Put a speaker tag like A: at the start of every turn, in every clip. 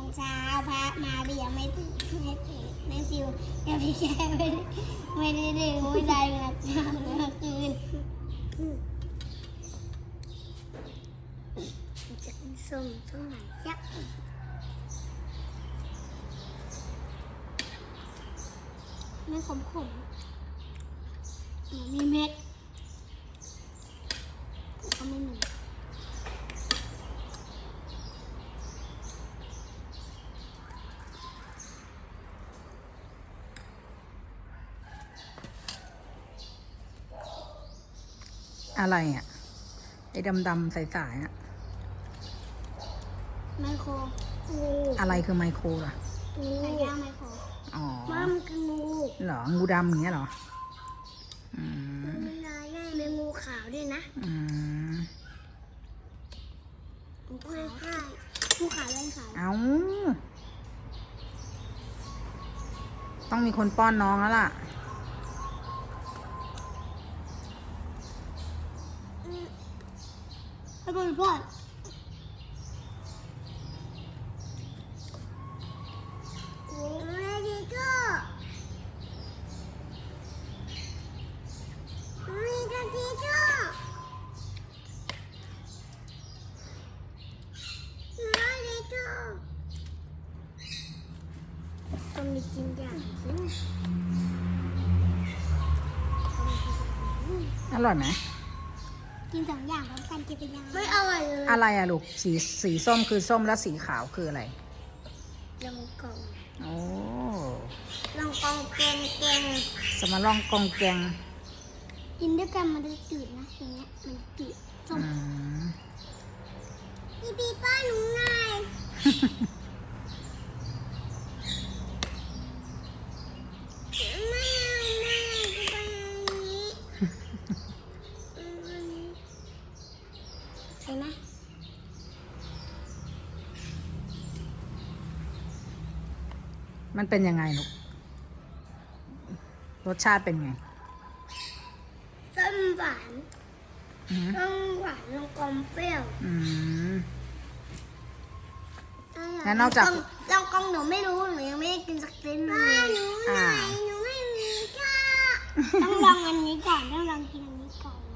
A: เช้าพระมาเบียไม่ตื่นแม่จิวกับพี่แกไม่ได้ดื่มไม่ได้หลับเมื่อคืนจะกินส้มไหนยักษ์ไม่ขมมีเม็ดก็ไม่มี
B: อะไรอ่ะไอ้ดำๆใสๆอ่ะ
A: ไมโคร
B: อะไรคือไมโครล่ะ
A: ไก่ย่างไมโคร
B: อ๋อ
A: ว่ามันคืองู
B: เหรองูดำอย่างเงี้ยเหรอ
A: มันลายง่ายเป็นงูขาวด้วยนะงูขาวงูขาวเลยขาว
B: เอาต้องมีคนป้อนน้องแล้วล่ะ
A: ให้บอลพ่อต้องมีกินอย่างสิ
B: อร่อยไหม
A: กิน2 อย่างพร้อมกันจะเป็นยังไงไม่อร่อยเลย
B: อะไรอะลูกสีส้มคือส้มแล้วสีขาวคืออะไร
A: ลองกอง
B: โอ้
A: ลองกองเกง
B: สมาลองกองแกง
A: กินด้วยกันมันจะจืดนะอย่างเงี้ยมันจืดส้มพี่ป้าหนูไงใช่ไหม
B: มันเป็นยังไงลูกรสชาติเป็นไง
A: ส้มหวานส้มหวานลงกลมเปรี้ยว
B: แล้วนอกจาก
A: ลองกองหนูไม่รู้หนูยังไม่ได้กินสักเส้นเลยหนูไม่มีค่ะต้องลองอันนี้ก่อนต้องลองกินอันนี้ก่อน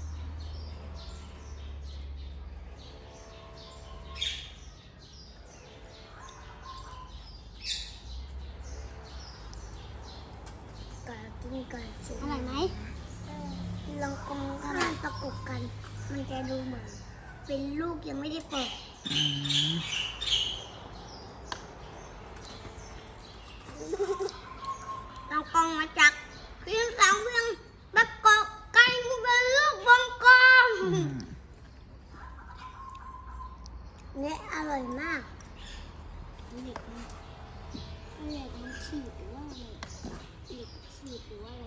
A: กินก่อนสิอร่อยไหมลองกองถ้ามันประกบกันมันจะดูเหมือนเป็นลูกยังไม่ได้เปิดลองกองมาจากเพียง3 เพียงประกบกันเป็นลูกวงกลมเนี่ยอร่อยมากเด็กมันฉีดหรือว่าอะไรฉีดหรือว่าอะไร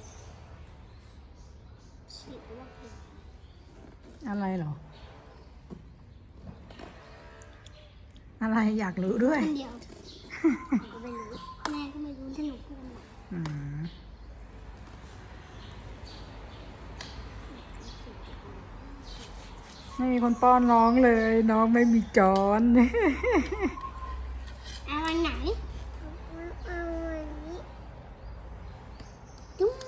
A: ฉีดหรือว่า
B: อะไรเหรออะไรอยากรู้ด้วย
A: คนเดียวก็ไม่รู้แม่ก็ไม่รู้ที่หนูพูด
B: ไม่มีคนป้อนน้องเลยน้องไม่มีจอน
A: เอาวันไหนเอาวันนี้จุ๊บ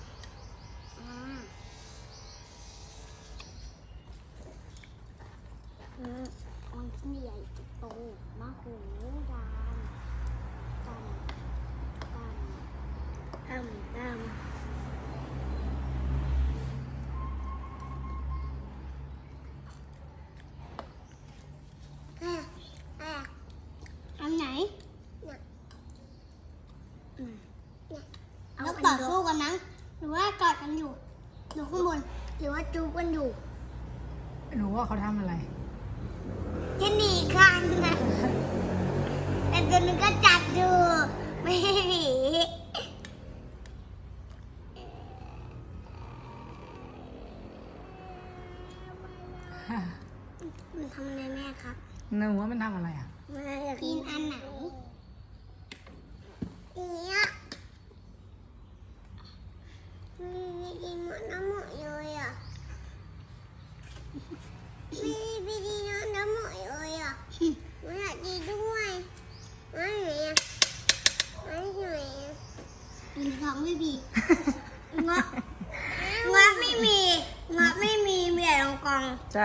A: มันที่ใหญ่โตมากหูดำอันไหนแล้วต่อสู้กันนะหรือว่ากอดกันอยู่หรือข้างบนหรือว่าจูบกันอยู่
B: หนูว่าเขาทำอะไร
A: จะหนีกันนะแต่ตัวนึงก็จับอยู่ไม่หนีมันทำอะไรแม่ครับ
B: หนูว่ามันทำอะไรอ่ะ
A: แม่อยากกินอันไหนเนี่ยไม่กินหมดน้ำหมดเลยอ่ะไม่กินน้ำหมดเลยอ่ะไม่อยากกินด้วย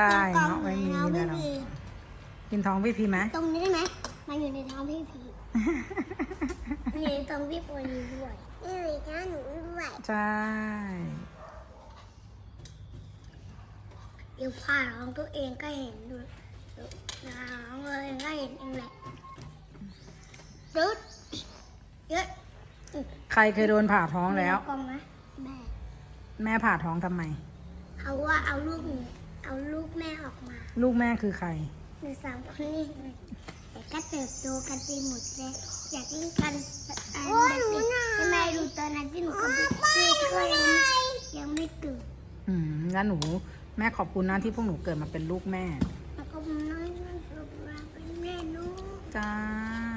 B: เงาะไม่มีมีแต่เรากินท้องพี่พีไหม
A: ตรงนี้ได้ไหมมันอยู่ในท้องพี่พีมันอยู่ในท้องพี่ปอยด้วยนี่เลยท้องหนูด้วย
B: ใช่
A: เดี๋ยวผ่าท้องตัวเองก็เห็นดูท้องตัวเองก็เห็นเองแหละดึดเยอะ
B: ใครเคยโดนผ่าท้องแล้ว
A: กลมไหมแม่
B: แม่ผ่าท้องทำไม
A: เขาว่าเอาลูกแม่ออกมา
B: ลูกแม่คือใคร
A: หนูสามคนนี้แต่ก็เติบโตกันไปหมดเลยอยากเล่นกันโอ้ยหนูนะแม่ดูตอนนั้นที่หนูกับพี่ก็ยังไม่ตื่น
B: งั้นหนูแม่ขอบคุณนะที่พวกหนูเกิดมาเป็นลูกแม่
A: แล้วก็น้อยๆเป็นแม่ลูก
B: จ้า